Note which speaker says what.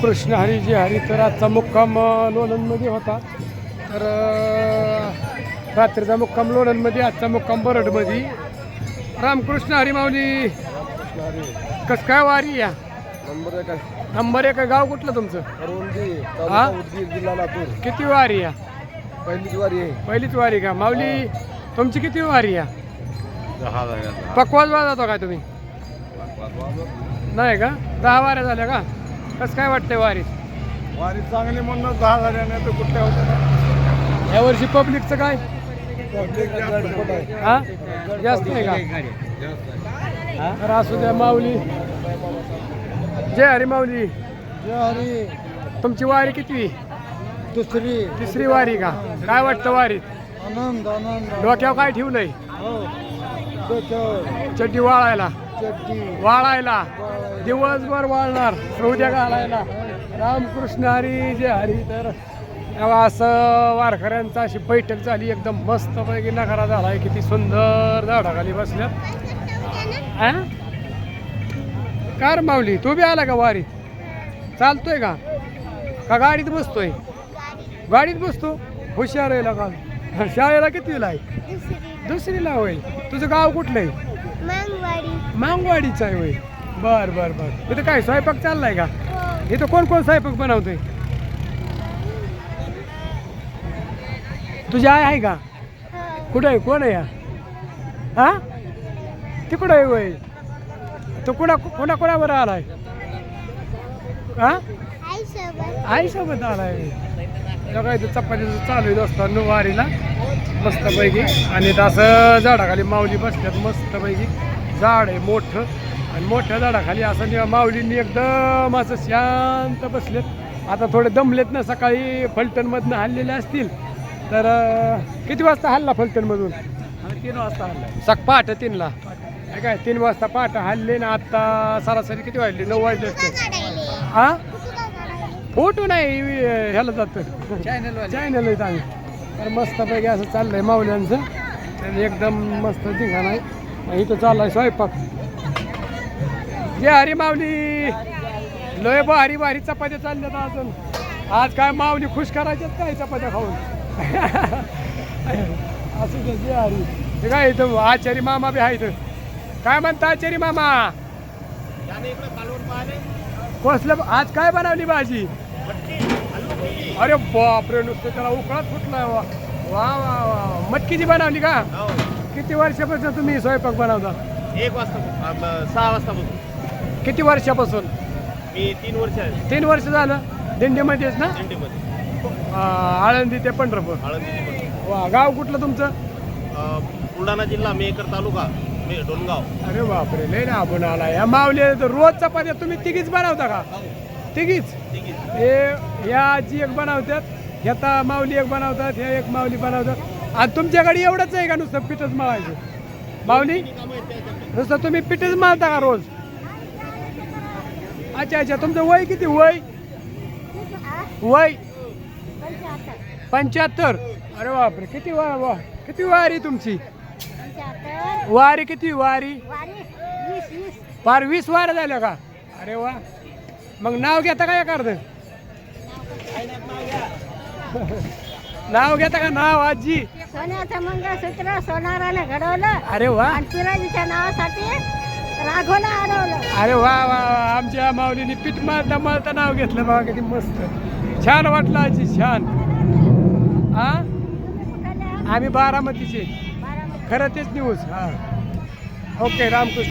Speaker 1: रामकृष्ण हरी जे हरी. तर आजचा मुक्काम लोणंदमध्ये होता. तर रात्रीचा मुक्काम लोणंदमध्ये, आजचा मुक्काम बरडमध्ये. रामकृष्ण हरी माऊली. कस काय वारी या नंबर एक गाव कुठलं तुमचं? हा?
Speaker 2: जिल्हा लातूर.
Speaker 1: किती वारी या?
Speaker 2: पहिलीच वारी आहे.
Speaker 1: पहिलीच वारी का माऊली? तुमची किती वारी या? पकवाज जातो काय तुम्ही? नाही का? 10 वाऱ्या झाल्या का? कसं काय वाटतंय वारीत?
Speaker 2: वारी चांगली म्हणून 10 झाल्याने तर कुठल्या होत्या.
Speaker 1: यावर्षी पब्लिकचं काय? हा जास्त नाही का? तर असू द्या माऊली. जय हरी माऊली.
Speaker 2: जय हरी.
Speaker 1: तुमची वारी किती? तिसरी वारी का? काय वाटतं वारीत?
Speaker 2: आनंद आनंद.
Speaker 1: डोक्यावर काय ठेवलंय?
Speaker 2: डोक्यावर
Speaker 1: चड्डी वाळायला.
Speaker 2: चड्डी
Speaker 1: वाळायला दिवसभर वाळणार, उद्या घालायला. रामकृष्ण हरी जे हरी. तर तेव्हा असं वारकऱ्यांचा अशी बैठक झाली, एकदम मस्त पैकी नकारा झालाय. किती सुंदर झाडाखाली बसल्यात. हा कार माऊली तू बी आला का वारीत? चालतोय का गाडीत बसतोय? गाडीत बसतो. हुशार आहे का? शाळेला कितीला आहे? दुसरीला होय. तुझं गाव कुठलं आहे? मांगवाडीचं आहे होय. बर बर बर. इथं काय स्वयंपाक चाललाय का? इथं कोण कोण स्वयंपाक बनवतोय? तुझी आई आहे का? कुठं आहे? कोण आहे? हा ती कुठं आहे होय? तो कोणाबरोबर आलाय? हा आई सोबत आलाय. काय चपातीचं चालू आहे दोस्तांनो वारीला मस्तपैकी. आणि असं झाडाखाली माऊली बसल्यात मस्तपैकी. झाड आहे मोठं, आणि मोठ्या झाडाखाली असं माऊलींनी एकदम असं शांत बसलेत. आता थोडे दमलेत ना, सकाळी फलटणमधनं हल्लेले असतील. तर किती वाजता हल्ला फलटणमधून?
Speaker 2: 3 वाजता हल्ला.
Speaker 1: पहाटे 3ला काय? 3 वाजता पहाटे हल्ले ना. आता सरासरी किती वाजले? 9 वाजले असते. हा फोटो नाही ह्याला जातं चॅनल आहे आम्ही. तर मस्तपैकी असं चाललंय माऊल्यांचं. आणि एकदम मस्त ठिकाण आहे. इथं चाललाय स्वयंपाक. जे हरी माऊली. लय भारी भारी चपात्या चालल्यात अजून. आज काय माऊली खुश करायच्यात काय चपात्या खाऊन? असं जे हरी. हे काय इथं आचारी मामा बी आहे. इथं काय म्हणता आचारी मामा? कसलं आज काय बनवली भाजी? अरे बापरे, नुसतं त्याला उकळात फुटलाय. वा वा वा वा. मटकीची बनवली का? किती वर्षापासून तुम्ही स्वयंपाक बनवता?
Speaker 2: 1 वाजता 6 वाजतापासून.
Speaker 1: किती वर्षापासून?
Speaker 2: मी 3 वर्ष आहे.
Speaker 1: 3 वर्ष झालं. दिंडीमध्येच ना?
Speaker 2: दिंडीमध्ये.
Speaker 1: आळंदी ते पंढरपूर. वा. गाव कुठलं तुमचं?
Speaker 2: बुलढाणा जिल्हा, मेकर तालुका, डोनगाव.
Speaker 1: अरे बापरे, लय ना आपण आला. या माऊली रोज चपात्या तुम्ही तिघीच बनवता का? तिघीच? हे ह्या आजी एक बनवतात, ह्याता माऊली एक बनवतात, ह्या एक माऊली बनवतात. आणि तुमच्याकडे एवढंच आहे का नुसतं पीठच मळायचं? माऊली नुसतं तुम्ही पीठच मळता का रोज? अच्छा अच्छा. तुमचं वय किती? वय 75. अरे बापरे, किती वा किती वारी तुमची? वारी किती? वारी पार 20 वाऱ्या झाल्या का? अरे वा. मग नाव घेता का एखादं? नाव घेता का? नाव आजी?
Speaker 3: सोन्याचं मंगळसूत्र सोनाराने घडवलं.
Speaker 1: अरे वा.
Speaker 3: आणि पिराजीच्या नावासाठी राघवला अडवलं.
Speaker 1: अरे वा वा. आमच्या माऊलीने पीठ मारता मारता नाव घेतलं बघा. किती मस्त. छान वाटलं आजी, छान. हा आम्ही बारामतीचे. खरं तेच न्यूज. हा ओके. रामकृष्ण.